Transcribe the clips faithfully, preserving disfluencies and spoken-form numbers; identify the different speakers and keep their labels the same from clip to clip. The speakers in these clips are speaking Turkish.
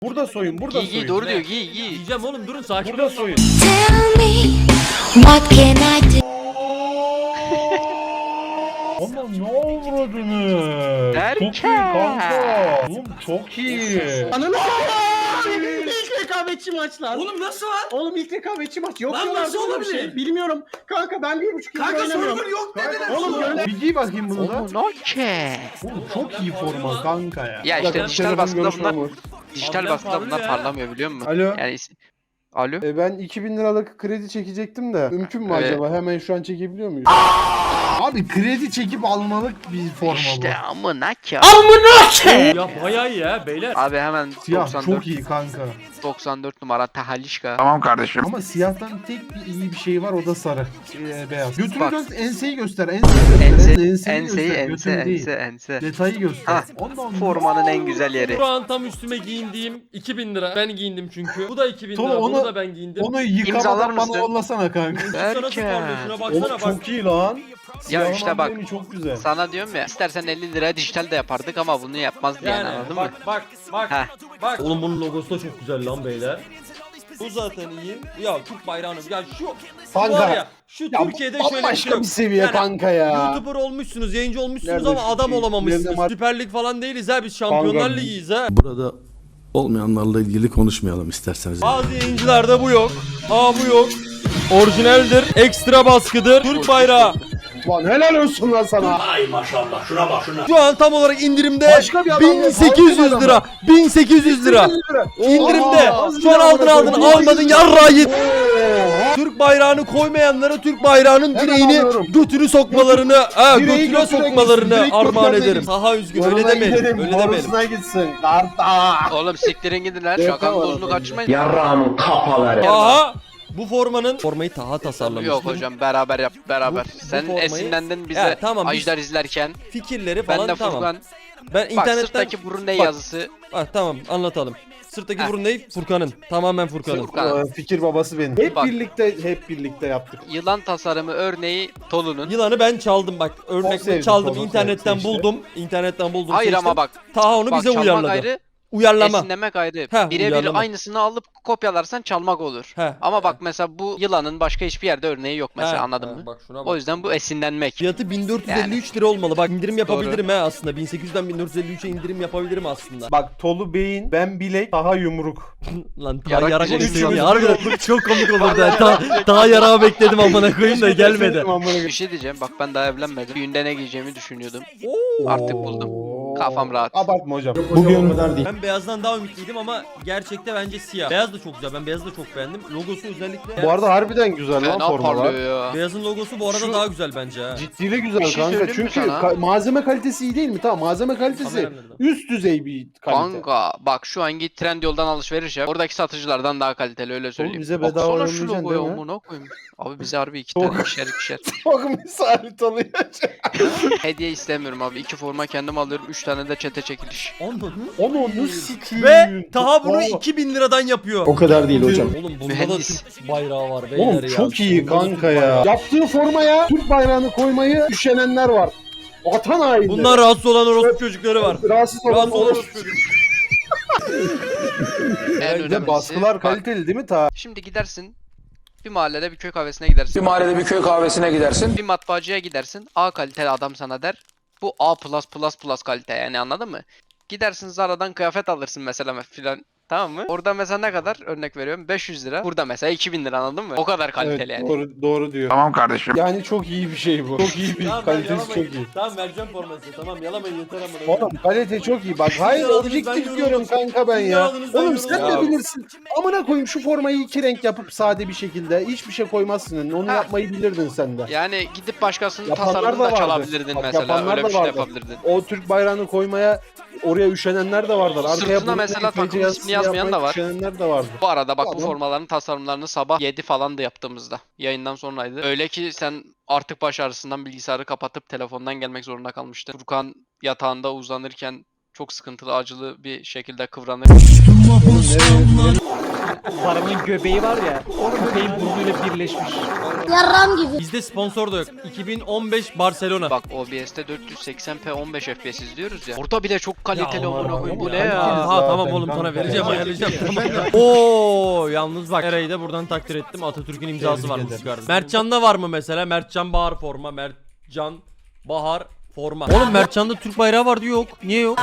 Speaker 1: Burada soyun, burada
Speaker 2: Giy
Speaker 1: soyun.
Speaker 2: giy doğru diyor giy giy.
Speaker 3: Yiyeceğim oğlum, durun sakin
Speaker 1: Burada
Speaker 3: olun.
Speaker 1: soyun.
Speaker 4: Tell me, what can I do?
Speaker 1: Ama ne avradını?
Speaker 2: Derken.
Speaker 1: Çok iyi kanka. Oğlum çok iyi.
Speaker 5: Ananı s**eyim. İlk rekabetçi maç lan.
Speaker 3: Oğlum nasıl var?
Speaker 5: Oğlum ilk rekabetçi maç. Yok
Speaker 3: Lan
Speaker 5: diyorlar
Speaker 3: nasıl
Speaker 5: böyle bir
Speaker 3: olabilir?
Speaker 5: şey. Bilmiyorum. Kanka ben bir buçuk yıldır
Speaker 3: Kanka
Speaker 5: oynamıyorum.
Speaker 3: server yok dediler.
Speaker 5: Oğlum gönder.
Speaker 1: Bir giy bakayım bunu da.
Speaker 2: Oğlum okey.
Speaker 1: Oğlum çok iyi forma kanka ya.
Speaker 2: Ya işte dijital baskıda bunlar dijital
Speaker 3: Harbiden
Speaker 2: baskıda bunlar
Speaker 3: parlıyor ya.
Speaker 2: parlamıyor biliyor musun?
Speaker 1: Alo.
Speaker 2: Yani is- Alo.
Speaker 6: E ben iki bin liralık kredi çekecektim de mümkün mü
Speaker 2: Evet.
Speaker 6: acaba? Hemen şu an çekebiliyor muyuz?
Speaker 1: Abi kredi çekip almalık bir forma
Speaker 2: İşte
Speaker 1: bu.
Speaker 2: amına ki.
Speaker 3: Ya bayağı iyi ya beyler.
Speaker 2: Abi hemen
Speaker 1: Siyah
Speaker 2: doksan dört
Speaker 1: çok iyi kanka.
Speaker 2: doksan dört numara Tahalişka.
Speaker 1: Ama siyahtan tek bir iyi bir şey var, o da sarı. Ee, beyaz. Götünü
Speaker 2: Bak.
Speaker 1: göster, enseyi göster. Enseyi göster.
Speaker 2: Ense,
Speaker 1: enseyi
Speaker 2: enseyi
Speaker 1: göster.
Speaker 2: ense
Speaker 1: Götünü değil.
Speaker 2: ense ense.
Speaker 1: Detayı göster.
Speaker 2: Ha,
Speaker 1: Ondan
Speaker 2: formanın en güzel yeri.
Speaker 3: Şu an tam üstüme giyindiğim iki bin lira. Ben giyindim çünkü. Bu da iki bin
Speaker 1: Tolu,
Speaker 3: lira. Bunu
Speaker 1: onu-
Speaker 3: da ben giyindim.
Speaker 1: Onu
Speaker 2: İmzalar
Speaker 1: yıkamadan bana
Speaker 2: mısın?
Speaker 1: yollasana kanka.
Speaker 3: Sana nasıl
Speaker 2: Derken.
Speaker 3: parlıyor? Şuna
Speaker 1: Oğlum
Speaker 3: baksana bak.
Speaker 1: çok iyi lan. Siyahın
Speaker 2: işte bak.
Speaker 1: amblemi çok güzel.
Speaker 2: Sana diyorum ya istersen elli liraya dijital de yapardık ama bunu yapmaz diye
Speaker 3: Yani
Speaker 2: anladın
Speaker 3: bak
Speaker 2: mı?
Speaker 3: bak bak
Speaker 2: Heh.
Speaker 3: bak. Oğlum bunun logosu da çok güzel lan beyler. Bu zaten iyi. Ya Türk bayrağını ya şu
Speaker 1: Kanka.
Speaker 3: var ya şu
Speaker 6: Ya
Speaker 3: Türkiye'de şöyle bir şey
Speaker 6: bambaşka
Speaker 3: yok.
Speaker 6: bir seviye
Speaker 3: Yani
Speaker 6: kanka ya.
Speaker 3: YouTuber olmuşsunuz, yayıncı olmuşsunuz
Speaker 6: Nerede
Speaker 3: ama
Speaker 6: şu
Speaker 3: adam
Speaker 6: şey?
Speaker 3: olamamışsınız.
Speaker 6: Nerede var?
Speaker 3: Süper Lig falan değiliz ha, biz Şampiyonlar
Speaker 6: Kanka.
Speaker 3: Ligi'yiz ha.
Speaker 7: Burada olmayanlarla ilgili konuşmayalım isterseniz.
Speaker 3: Bazı yayıncılarda bu yok. Aa bu yok. Orijinaldir, ekstra baskıdır. Türk bayrağı.
Speaker 6: Lan helal olsun lan sana.
Speaker 3: Şu an tam olarak indirimde
Speaker 6: Başka bir adam yok,
Speaker 3: bin sekiz yüz
Speaker 6: başka bir
Speaker 3: lira. bin sekiz yüz lira. İndirimde.
Speaker 6: Oha,
Speaker 3: Şu an aldın aldın
Speaker 6: bin sekiz yüz
Speaker 3: almadın yarrağı yedin. Türk bayrağını koymayanlara Türk bayrağının
Speaker 6: Hemen
Speaker 3: direğini
Speaker 6: alıyorum.
Speaker 3: götünü sokmalarını, ha
Speaker 6: Direği
Speaker 3: götüne
Speaker 6: götüne
Speaker 3: sokmalarını
Speaker 6: gitsin, direkt
Speaker 3: armağan
Speaker 6: götüne
Speaker 3: ederim.
Speaker 6: gitsin.
Speaker 3: Saha üzgün öyle
Speaker 6: Yoluna
Speaker 3: demeyelim.
Speaker 6: gidelim,
Speaker 3: Öyle demeyelim.
Speaker 6: borusuna gitsin. Karta.
Speaker 2: Oğlum siktirin gidin lan.
Speaker 6: Evet,
Speaker 2: Şakanın
Speaker 6: tamam,
Speaker 2: dozunu
Speaker 6: tamam.
Speaker 2: kaçırmayın.
Speaker 8: Yarrağımın kafaları.
Speaker 3: Aha. Bu formanın formayı Taha tasarlamıştı.
Speaker 2: Yok hocam beraber yap beraber.
Speaker 3: Bu- bu
Speaker 2: Sen
Speaker 3: formayı-
Speaker 2: esinlendin bize
Speaker 3: Ya, tamam, biz-
Speaker 2: Ajdar izlerken.
Speaker 3: Fikirleri
Speaker 2: Ben
Speaker 3: falan
Speaker 2: de
Speaker 3: tamam.
Speaker 2: Furkan.
Speaker 3: Ben
Speaker 2: Bak
Speaker 3: internetten
Speaker 2: sırttaki burun ne
Speaker 3: Bak.
Speaker 2: yazısı.
Speaker 3: Ah, tamam anlatalım. Sırttaki
Speaker 2: Heh.
Speaker 3: burun ne? Furkan'ın. Tamamen Furkan'ın.
Speaker 2: Furkan.
Speaker 6: Ee, Fikir babası benim. Hep
Speaker 2: Bak.
Speaker 6: birlikte hep birlikte yaptık.
Speaker 2: Yılan tasarımı örneği Tolu'nun.
Speaker 3: Yılanı ben çaldım bak.
Speaker 6: Çok
Speaker 3: Örnek
Speaker 6: sevdim,
Speaker 3: çaldım.
Speaker 6: çok
Speaker 3: internetten
Speaker 6: sevdim,
Speaker 3: buldum. İnternetten buldum.
Speaker 2: Hayır
Speaker 3: seçtim.
Speaker 2: ama bak.
Speaker 3: Taha onu
Speaker 2: Bak
Speaker 3: bize
Speaker 2: çalmak
Speaker 3: uyarladı.
Speaker 2: ayrı,
Speaker 3: Uyarlama.
Speaker 2: esinlemek ayrı.
Speaker 3: Heh,
Speaker 2: Birebir
Speaker 3: uyarlama.
Speaker 2: aynısını alıp kopyalarsan çalmak olur.
Speaker 3: Heh.
Speaker 2: Ama bak mesela bu yılanın başka hiçbir yerde örneği yok mesela
Speaker 3: Ha,
Speaker 2: anladın
Speaker 3: ha,
Speaker 2: mı?
Speaker 3: Bak şuna bak.
Speaker 2: O yüzden bu esinlenmek.
Speaker 3: Fiyatı bin dört yüz elli üç lira olmalı. Bak indirim yapabilirim ha aslında. bin sekiz yüzden bin dört yüz elli üçe indirim yapabilirim aslında.
Speaker 6: Bak Tolu beyin, ben bilek, daha yumruk.
Speaker 3: Lan Taha
Speaker 2: Yarak
Speaker 3: yarak
Speaker 2: diyeceksin
Speaker 3: bekledim ya.
Speaker 2: ya.
Speaker 3: Harbiden çok komik olurdu. ha. Ta, Taha yarağı bekledim amına koyayım da gelmedi.
Speaker 2: Bir şey diyeceğim bak ben daha evlenmedim. Düğünde ne giyeceğimi düşünüyordum. Artık buldum. Kafam rahat.
Speaker 6: Abartma hocam.
Speaker 1: Bugün
Speaker 3: Ben beyazdan daha ümitliydim ama gerçekte bence siyah. Beyaz da çok güzel. Ben beyazı da çok beğendim. Logosu özellikle.
Speaker 6: Bu arada harbiden güzel lan
Speaker 2: Fena
Speaker 6: formalar.
Speaker 2: parlıyor ya.
Speaker 3: Beyazın logosu bu arada
Speaker 2: Şu-
Speaker 3: daha güzel bence ha.
Speaker 6: Ciddiyle güzel
Speaker 2: Bir şey
Speaker 6: kanka.
Speaker 2: söyleyeyim mi
Speaker 6: Çünkü
Speaker 2: sana?
Speaker 6: ka- malzeme kalitesi iyi değil mi? Tamam malzeme kalitesi
Speaker 3: Kameram nerede?
Speaker 6: üst düzey bir kalite.
Speaker 2: Kanka bak şu an git Trendyol'dan alışveriş yap. Oradaki satıcılardan daha kaliteli öyle söyleyeyim.
Speaker 6: bize bedava
Speaker 2: Baksana şu
Speaker 6: yollayacaksın
Speaker 2: logoya
Speaker 6: değil mi?
Speaker 2: amına koyayım. Abi bize harbi iki
Speaker 6: Çok-
Speaker 2: tane ikişer ikişer.
Speaker 6: Çok misali tanıyor.
Speaker 2: Hediye istemiyorum abi. İki forma kendim alıyorum. Üç tane de çete çekiliş.
Speaker 3: Anladın?
Speaker 6: Onu onu sikiyim.
Speaker 3: Ve Taha bunu iki bin liradan yapıyor.
Speaker 6: O kadar değil hocam.
Speaker 3: Oğlum bunda
Speaker 2: Mühendis.
Speaker 3: da Türk bayrağı var beyler
Speaker 6: Oğlum
Speaker 3: ya.
Speaker 6: çok iyi
Speaker 3: Bunda da
Speaker 6: kanka
Speaker 3: Türk
Speaker 6: ya.
Speaker 3: bayrağı.
Speaker 6: Yaptığı formaya Türk bayrağını koymayı üşenenler var. Vatan hainleri.
Speaker 3: Bunlar rahatsız olan orospu çocukları var.
Speaker 6: rahatsız olan
Speaker 3: Rahatsız olan
Speaker 6: olur.
Speaker 3: orospu çocukları.
Speaker 2: En
Speaker 6: Bir de
Speaker 2: önemlisi.
Speaker 6: baskılar
Speaker 2: bak,
Speaker 6: kaliteli değil mi ta?
Speaker 2: Şimdi gidersin. Bir mahallede bir köy kahvesine gidersin.
Speaker 8: Bir mahallede bir köy kahvesine gidersin.
Speaker 2: Bir matbaacıya gidersin. A kaliteli adam sana der. Bu A plus plus plus kalite yani anladın mı? Gidersin Zara'dan kıyafet alırsın mesela filan. Tamam mı? Orada mesela ne kadar? Örnek veriyorum beş yüz lira. Burada mesela iki bin lira anladın mı? O kadar kaliteli
Speaker 6: Evet,
Speaker 2: yani.
Speaker 6: doğru, doğru diyor.
Speaker 8: Tamam kardeşim.
Speaker 6: Yani çok iyi bir şey bu. Çok iyi bir
Speaker 3: Tamam ben
Speaker 6: kalitesi çok
Speaker 3: yalamayın.
Speaker 6: iyi.
Speaker 3: Tamam vereceğim forması. Tamam yalamayın yeter amına.
Speaker 6: Oğlum kalite çok iyi. Bak hayır
Speaker 3: yaladınız, ben
Speaker 6: objektif
Speaker 3: yoruldum.
Speaker 6: diyorum kanka ben
Speaker 3: Siz
Speaker 6: ya.
Speaker 3: yaladınız, ben
Speaker 6: Oğlum
Speaker 3: yoruldum.
Speaker 6: sen de
Speaker 2: Ya.
Speaker 6: bilirsin. Amına koyayım şu formayı iki renk yapıp sade bir şekilde hiçbir şey koymazsın. Onu
Speaker 2: Ha.
Speaker 6: yapmayı bilirdin sen de.
Speaker 2: Yani gidip başkasının
Speaker 6: Yapanlar
Speaker 2: tasarımını
Speaker 6: da
Speaker 2: da
Speaker 6: vardı.
Speaker 2: çalabilirdin
Speaker 6: Bak,
Speaker 2: mesela.
Speaker 6: yapanlar
Speaker 2: Öyle bir
Speaker 6: da
Speaker 2: şey de
Speaker 6: vardı.
Speaker 2: yapabilirdin.
Speaker 6: O Türk bayrağını koymaya oraya üşenenler de vardır. Arkaya
Speaker 2: Sırtına
Speaker 6: bunu
Speaker 2: mesela
Speaker 6: F C
Speaker 2: takım
Speaker 6: yazısı
Speaker 2: ismini yazmayan
Speaker 6: yapmaya
Speaker 2: da var.
Speaker 6: Üşenenler de vardı.
Speaker 2: Bu arada bak bu
Speaker 6: Adam-
Speaker 2: formaların tasarımlarını sabah yedi falan da yaptığımızda. Yayından sonraydı. Öyle ki sen artık baş ağrısından bilgisayarı kapatıp telefondan gelmek zorunda kalmıştı. Furkan yatağında uzanırken çok sıkıntılı acılı bir şekilde kıvranır.
Speaker 6: Oğlum nereye-
Speaker 9: Paranın göbeği var ya. Köpeğin burnuyla birleşmiş.
Speaker 4: Yarram gibi.
Speaker 3: Bizde sponsor da yok. iki bin on beş Barcelona.
Speaker 2: Bak O B S'te dört yüz seksen p on beş F P S izliyoruz ya. Orada bile çok kaliteli
Speaker 3: Ya
Speaker 2: amına koyayım. Bu ne
Speaker 6: ya.
Speaker 2: ya?
Speaker 3: Ha
Speaker 6: Zaten
Speaker 3: tamam oğlum
Speaker 6: kanka.
Speaker 3: sana vereceğim
Speaker 6: Ya.
Speaker 3: ayarlayacağım tamam. Oo yalnız bak Eray'ı da buradan takdir ettim. Atatürk'ün imzası
Speaker 6: Tebrik
Speaker 3: var bu
Speaker 6: ederim.
Speaker 3: çıkardı. Mertcan'da var mı mesela? Mertcan Bahar forma. Mertcan Bahar forma. Oğlum Mertcan'da Türk bayrağı vardı yok. Niye yok?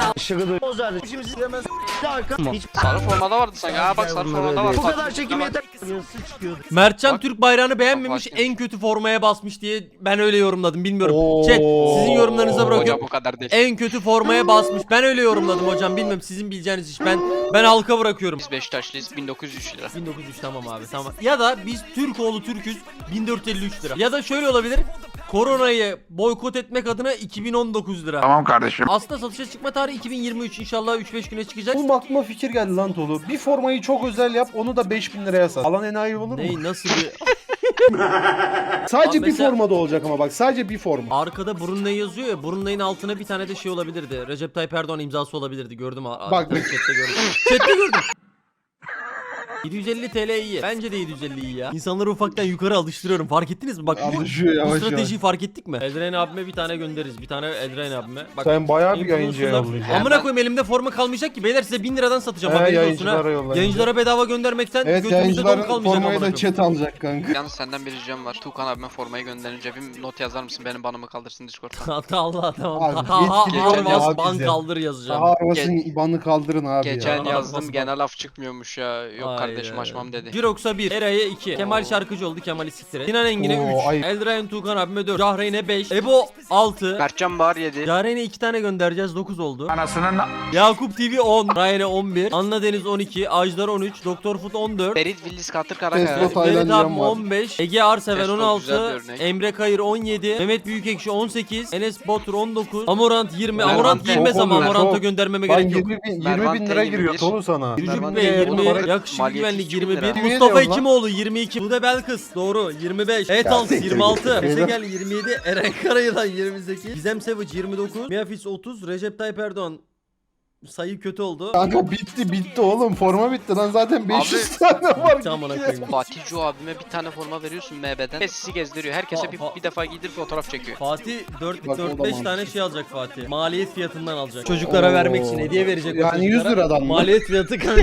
Speaker 2: Sarı formada vardı sanki. Ha bak sarı formada var. Bu kadar çekim yeter.
Speaker 3: Mertcan
Speaker 2: Bak.
Speaker 3: Türk bayrağını beğenmemiş,
Speaker 2: Bak bakayım.
Speaker 3: en kötü formaya basmış diye ben öyle yorumladım. Bilmiyorum.
Speaker 6: Oo.
Speaker 3: Chat sizin yorumlarınıza
Speaker 2: Hocam
Speaker 3: bırakıyorum.
Speaker 2: bu kadar değil.
Speaker 3: En kötü formaya basmış. Ben öyle yorumladım hocam. Bilmem sizin bileceğiniz iş. Ben ben halka bırakıyorum.
Speaker 2: Biz Beşiktaşlıyız bin dokuz yüz üç lira.
Speaker 3: bin dokuz yüz üç tamam abi tamam. Ya da biz Türkoğlu Türküz bin dört yüz elli üç lira. Ya da şöyle olabilir. Koronayı boykot etmek adına iki bin on dokuz lira.
Speaker 8: Tamam kardeşim.
Speaker 3: Aslında satışa çıkma tarihi iki bin yirmi üç inşallah üç beş güne çıkacak.
Speaker 6: Bu aklıma fikir geldi lan Tolu. Bir formayı çok özel yap, onu da beş bin liraya sat. Alan enayi olur mu?
Speaker 3: Ney nasıl bir
Speaker 6: Sadece
Speaker 3: Abi
Speaker 6: bir
Speaker 3: mesela-
Speaker 6: formada olacak ama bak, sadece bir forma.
Speaker 3: arkada Brunei yazıyor ya, Brunei'nin altına bir tane de şey olabilirdi. Recep Tayyip Erdoğan imzası olabilirdi. Gördüm ha.
Speaker 6: Bak-
Speaker 3: chatte gördüm. Chatte gördüm. yedi yüz elli T L iyi. Bence de yedi yüz elli iyi ya. İnsanları ufaktan yukarı alıştırıyorum. Fark ettiniz mi? Bak bu,
Speaker 6: Alışıyor
Speaker 3: bu
Speaker 6: yavaş yavaş.
Speaker 3: stratejiyi fark ettik mi? Edren abime bir tane göndeririz. Bir tane Edren abime. Bak,
Speaker 6: Sen bayağı bir
Speaker 3: influencerlar-
Speaker 6: yayıncıya yollayacaksın.
Speaker 3: Amına koyayım elimde forma kalmayacak ki. Beyler size bin liradan satacağım.
Speaker 6: He,
Speaker 3: Haberiniz olsun ha.
Speaker 6: yayıncılara yollayın.
Speaker 3: Yayıncılara bedava göndermekten
Speaker 6: Evet,
Speaker 3: götümüzde
Speaker 6: yayıncıların
Speaker 3: don kalmayacak amına
Speaker 6: formayı da
Speaker 3: koyayım.
Speaker 6: chat alacak kanka.
Speaker 2: Yalnız senden bir ricam var. Tuğkan abime formayı gönderince bir not yazar mısın? Benim banımı kaldırsın Discord'dan.
Speaker 3: Hatta Allah tamam.
Speaker 6: Abi,
Speaker 3: Taha
Speaker 6: yetkili
Speaker 2: olma
Speaker 3: Arvas
Speaker 6: abi
Speaker 3: ban
Speaker 6: bize.
Speaker 3: kaldır yazacağım.
Speaker 6: Daha arabasının ibanını kaldırın abi
Speaker 2: Geçen
Speaker 6: ya.
Speaker 2: yazdım
Speaker 3: Nasıl
Speaker 2: gene laf çıkmıyormuş ya. Yok
Speaker 3: Ay
Speaker 2: kardeşim
Speaker 3: ya.
Speaker 2: açmam dedi.
Speaker 3: Jirox'a bir, Eray'a iki, Kemal Şarkıcı oldu, Kemal'i siktir et. Sinan Engin'e
Speaker 6: Oo,
Speaker 3: üç,
Speaker 6: ayıp.
Speaker 3: Eldrayan Tuğkan abime dört, Cahreyn'e beş, Ebo altı,
Speaker 2: Mertcan Bahar yedi.
Speaker 3: Cahreyn'e iki tane göndereceğiz, dokuz oldu.
Speaker 8: Anasının
Speaker 3: Yakup T V on, Ryan'e on bir, Anna Deniz on iki, Ajdar on üç, Doktor Foot on dört,
Speaker 2: Ferit Villis Katır
Speaker 6: Tesla
Speaker 2: Karakaya.
Speaker 6: Taylan
Speaker 3: Ferit
Speaker 6: Can
Speaker 3: abim
Speaker 6: var.
Speaker 3: on beş, Ege Arseven
Speaker 2: Testo
Speaker 3: on
Speaker 2: güzel bir
Speaker 3: altı,
Speaker 2: örnek.
Speaker 3: Emre Kayır on yedi, Mehmet Büyükekşi on sekiz, Enes Batur on dokuz, Amorant yirmi,
Speaker 2: Mervan
Speaker 3: Amorant
Speaker 2: çok
Speaker 3: girmez ama
Speaker 6: oluyor,
Speaker 3: Amorant'a
Speaker 6: çok.
Speaker 3: göndermeme
Speaker 6: Lan
Speaker 3: gerek yok.
Speaker 6: yirmi bin, yirmi
Speaker 2: Mervan
Speaker 6: bin lira
Speaker 2: T
Speaker 6: giriyor
Speaker 2: yirmi bir.
Speaker 6: Tolu sana.
Speaker 2: Mervan
Speaker 3: Ve
Speaker 2: T
Speaker 3: yirmi,
Speaker 2: yirmi,
Speaker 3: yakışıklı
Speaker 2: maliyeti
Speaker 3: güvenlik
Speaker 2: iki bin
Speaker 3: yirmi bir,
Speaker 2: lira.
Speaker 6: Yemin
Speaker 3: Mustafa
Speaker 6: ediyorum lan.
Speaker 3: Hekimoğlu yirmi iki, Bude Belkıs doğru yirmi beş, Etals yirmi altı, Esegel yirmi yedi, Eren Karayılan yirmi sekiz, Gizem Savage yirmi dokuz, Miafis otuz, Recep Tayyip Erdoğan sayı kötü oldu.
Speaker 6: Kanka bitti bitti oğlum, forma bitti lan, zaten beş yüz tane var.
Speaker 3: Tamam koyayım.
Speaker 2: Fatih Cu abime bir tane forma veriyorsun M B'den. Sesi gezdiriyor. Herkese
Speaker 3: Fa-
Speaker 2: bir,
Speaker 3: fa-
Speaker 2: bir defa giydirip fotoğraf çekiyor.
Speaker 3: Fatih dört
Speaker 6: Bak, o da
Speaker 3: dört beş
Speaker 6: mantıklı.
Speaker 3: tane şey alacak Fatih. Maliyet fiyatından alacak. Çocuklara vermek için hediye verecek. o
Speaker 6: Yani yüz
Speaker 3: çocuklara.
Speaker 6: liradan mı?
Speaker 3: Maliyet fiyatı kanka.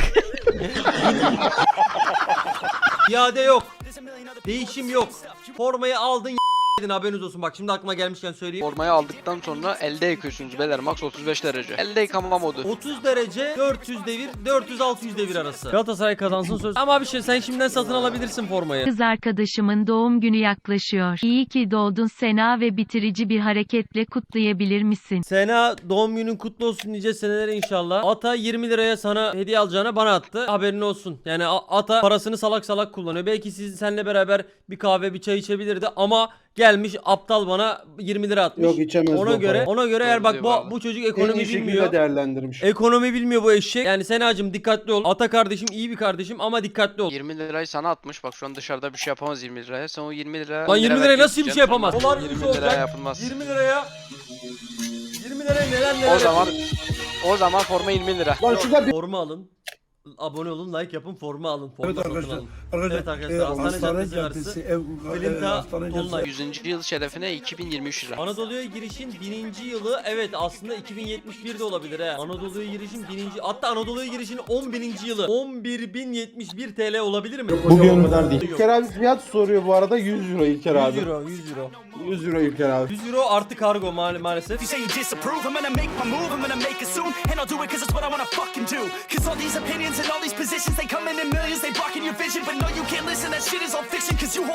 Speaker 3: İade yok. Değişim yok. Formayı aldın y- edin haberiniz olsun. Bak şimdi aklıma gelmişken söyleyeyim.
Speaker 2: Formayı aldıktan sonra elde yıkıyorsunuz beyler. Max otuz beş derece. Elde yıkama modu.
Speaker 3: otuz derece dört yüz devir dört yüz altı yüz devir arası. Galatasaray kazansın söz. Ama bir şey sen şimdiden satın alabilirsin formayı.
Speaker 10: Kız arkadaşımın doğum günü yaklaşıyor. İyi ki doğdun Sena ve bitirici bir hareketle kutlayabilir misin?
Speaker 3: Sena doğum günün kutlu olsun nice seneler inşallah. Ata yirmi liraya sana hediye alacağına bana attı. Haberin olsun. Yani A- Ata parasını salak salak kullanıyor. Belki siz seninle beraber bir kahve bir çay içebilirdi ama gelmiş aptal bana yirmi lira atmış.
Speaker 6: Yok, içemez
Speaker 3: Ona
Speaker 6: bu
Speaker 3: göre
Speaker 6: para.
Speaker 3: ona göre eğer
Speaker 2: Doğru
Speaker 3: bak
Speaker 2: diyor
Speaker 3: bu
Speaker 2: vallahi.
Speaker 3: bu çocuk
Speaker 6: En
Speaker 3: ekonomi
Speaker 6: iyi şekilde
Speaker 3: bilmiyor.
Speaker 6: değerlendirmiş.
Speaker 3: Ekonomi bilmiyor bu eşek. Yani Senacığım dikkatli ol. Ata kardeşim iyi bir kardeşim ama dikkatli ol.
Speaker 2: yirmi lirayı sana atmış. Bak şu an dışarıda bir şey yapamaz yirmi liraya. Sen o yirmi liraya...
Speaker 3: Lan yirmi liraya nasıl bir şey yapamaz? Dolar
Speaker 2: yirmi
Speaker 3: yüzü
Speaker 2: liraya
Speaker 3: olacak.
Speaker 2: yapılmaz.
Speaker 3: yirmi liraya yirmi liraya neler neler
Speaker 2: O zaman
Speaker 3: yapılır.
Speaker 2: o zaman forma yirmi lira.
Speaker 6: Lan şurada bir
Speaker 3: Forma alın. Abone olun, like yapın, forma alın. Forma
Speaker 11: Evet
Speaker 3: satın
Speaker 11: arkadaşlar.
Speaker 3: alın.
Speaker 11: Arkadaşlar,
Speaker 3: Evet arkadaşlar,
Speaker 11: e,
Speaker 3: Hastane
Speaker 11: Hastane
Speaker 3: Caddesi
Speaker 11: Caddesi,
Speaker 3: arası.
Speaker 11: ev,
Speaker 3: Filinta,
Speaker 11: e, Hastane
Speaker 3: Dolunay.
Speaker 11: Caddesi.
Speaker 2: yüzüncü yıl şerefine iki bin yirmi üç lira.
Speaker 3: Anadolu'ya girişin bininci yılı evet aslında iki bin yetmiş bir de olabilir he. Anadolu'ya girişin bininci hatta Anadolu'ya girişin on bininci yılı on bir bin yetmiş bir T L olabilir mi?
Speaker 6: bugün kadar değil. İlker abi fiyat soruyor bu arada, yüz euro İlker abi.
Speaker 3: yüz euro yüz euro.
Speaker 6: yüz euro İlker abi.
Speaker 3: yüz euro artı kargo ma maalesef.
Speaker 11: You say you disapprove, I'm gonna make my move, I'm gonna make it soon, and I'll do it cause it's what I wanna fucking do. Cause all these opinions and all these positions, they come in in millions, they blocking your vision, but no, you can't listen, that shit is all fiction, cause you hold